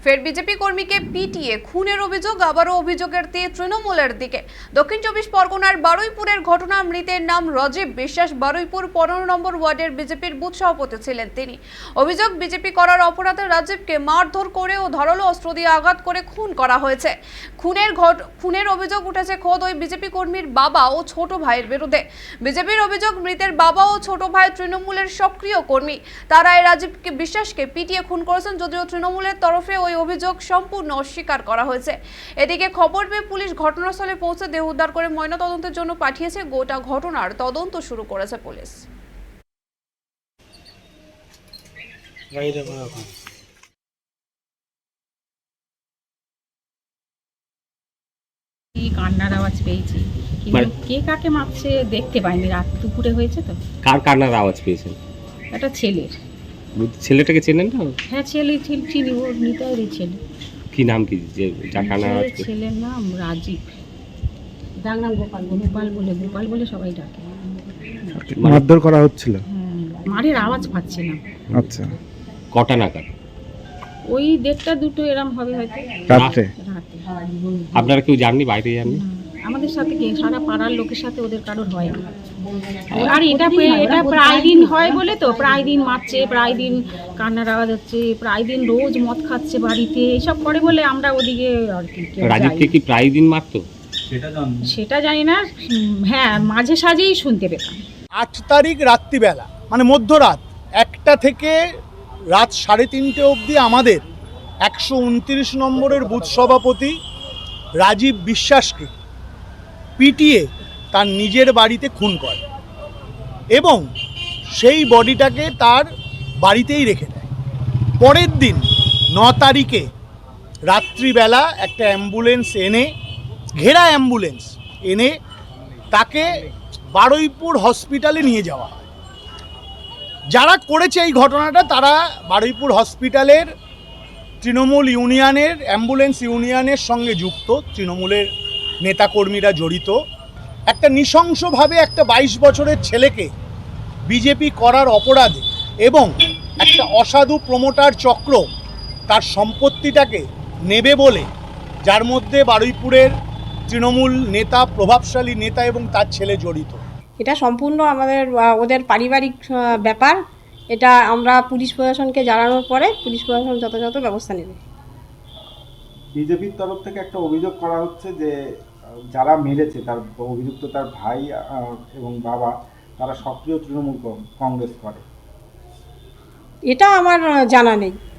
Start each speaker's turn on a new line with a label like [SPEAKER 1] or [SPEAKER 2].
[SPEAKER 1] ফের বিজেপি কর্মীকে পিটিয়ে খুনের অভিযোগ, আবারও অভিযোগের তীর তৃণমূলের দিকে। দক্ষিণ 24 পরগনার বারুইপুরের ঘটনা। মৃতের নাম রাজীব বিশ্বাস। বারুইপুর 15 নম্বর ওয়ার্ডের বিজেপির বুথ সভাপতি ছিলেন তিনি। অভিযোগ, বিজেপি করার অপরাধে রাজীবকে মারধর করে ও ধারালো অস্ত্র দিয়ে আঘাত করে খুন করা হয়েছে। খুনের অভিযোগ উঠেছে খোদ ওই বিজেপি কর্মীর বাবা ও ছোট ভাইয়ের বিরুদ্ধে। বিজেপির অভিযোগ, মৃতের বাবা ও ছোট ভাই তৃণমূলের সক্রিয় কর্মী। তারা রাজীবকে বিশ্বাসকে পিটিয়ে খুন করেছেন, যদিও তৃণমূলের তরফে ওই অভিযোগ সম্পূর্ণ অস্বীকার করা হয়েছে। এদিকে খবর পেয়ে পুলিশ ঘটনাস্থলে পৌঁছে দেহ উদ্ধার করে ময়নাতদন্তের জন্য পাঠিয়েছে। গোটা ঘটনার তদন্ত শুরু করেছে পুলিশ।
[SPEAKER 2] কান্নার আওয়াজ পেয়েছি, কিন্তু কে কাকে মারছে দেখতে পাইনি। রাত দুপুরে হয়েছে তো।
[SPEAKER 3] কার কান্নার আওয়াজ পেয়েছেন?
[SPEAKER 2] একটা ছেলের।
[SPEAKER 3] ছেলেটাকে চেনেন না?
[SPEAKER 2] হ্যাঁ, চিনি, ওর নিতাইয়ের ছেলে।
[SPEAKER 3] কি নাম, কি যে যার কান্নার আওয়াজ?
[SPEAKER 2] ছেলের নাম রাজীব। গোপাল বলে সবাই ডাকে।
[SPEAKER 4] মারধর করা হচ্ছিল?
[SPEAKER 2] মারের আওয়াজ পাচ্ছি না।
[SPEAKER 4] আচ্ছা,
[SPEAKER 3] কটা নাগাদ?
[SPEAKER 2] ওই 1:30 2 এরম হবে হয়তো।
[SPEAKER 4] রাতে?
[SPEAKER 3] আপনারা কেউ জাননি, বাইরে জাননি?
[SPEAKER 2] আমাদের সাথে কি, সারা পাড়ার লোকের সাথে ওদের কারোর হয় না। আর এটা প্রায় দিন হয় বলে তো, প্রায় দিন মারছে, প্রায় দিন কান্নার আওয়াজ হচ্ছে, প্রায় দিন রোজ মদ খাচ্ছে বাড়িতে, এসব করে বলে আমরা ওদিকে আর কি।
[SPEAKER 3] রাজীবকে কি প্রায় দিন মারতো?
[SPEAKER 2] সেটা জানি না। হ্যাঁ, মাঝে সাঝেই শুনতে পেতাম।
[SPEAKER 5] 8 তারিখ রাত্রিবেলা, মানে মধ্যরাত 1টা থেকে রাত 3:30 অবধি আমাদের 129 নম্বরের বুথ সভাপতি রাজীব বিশ্বাসকে পিটিয়ে তার নিজের বাড়িতে খুন করে এবং সেই বডিটাকে তার বাড়িতেই রেখে দেয়। পরের দিন 9 তারিখে রাত্রিবেলা একটা অ্যাম্বুলেন্স এনে, ঘেরা অ্যাম্বুলেন্স এনে তাকে বারুইপুর হসপিটালে নিয়ে যাওয়া হয়। যারা করেছে এই ঘটনাটা তারা বারুইপুর হসপিটালের তৃণমূল ইউনিয়নের, অ্যাম্বুলেন্স ইউনিয়নের সঙ্গে যুক্ত, তৃণমূলের নেতাকর্মীরা জড়িত। একটা নৃশংসভাবে একটা 22 বছরের ছেলেকে বিজেপি করার অপরাধে এবং একটা অসাধু প্রমোটার চক্র তার সম্পত্তিটাকে নেবে বলে, যার মধ্যে বারুইপুরের তৃণমূল নেতা, প্রভাবশালী নেতা এবং তার ছেলে জড়িত।
[SPEAKER 6] এটা সম্পূর্ণ ওদের পারিবারিক ব্যাপার। এটা আমরা পুলিশ প্রশাসনকে জানানোর পরে পুলিশ প্রশাসন যথাযথ ব্যবস্থা নেবে।
[SPEAKER 7] বিজেপির তরফ থেকে একটা অভিযোগ করা হচ্ছে যে যারা মেরেছে, তার অভিযুক্ত তার ভাই এবং বাবা, তারা সক্রিয় তৃণমূল কংগ্রেস করে।
[SPEAKER 6] এটা আমার জানা নেই।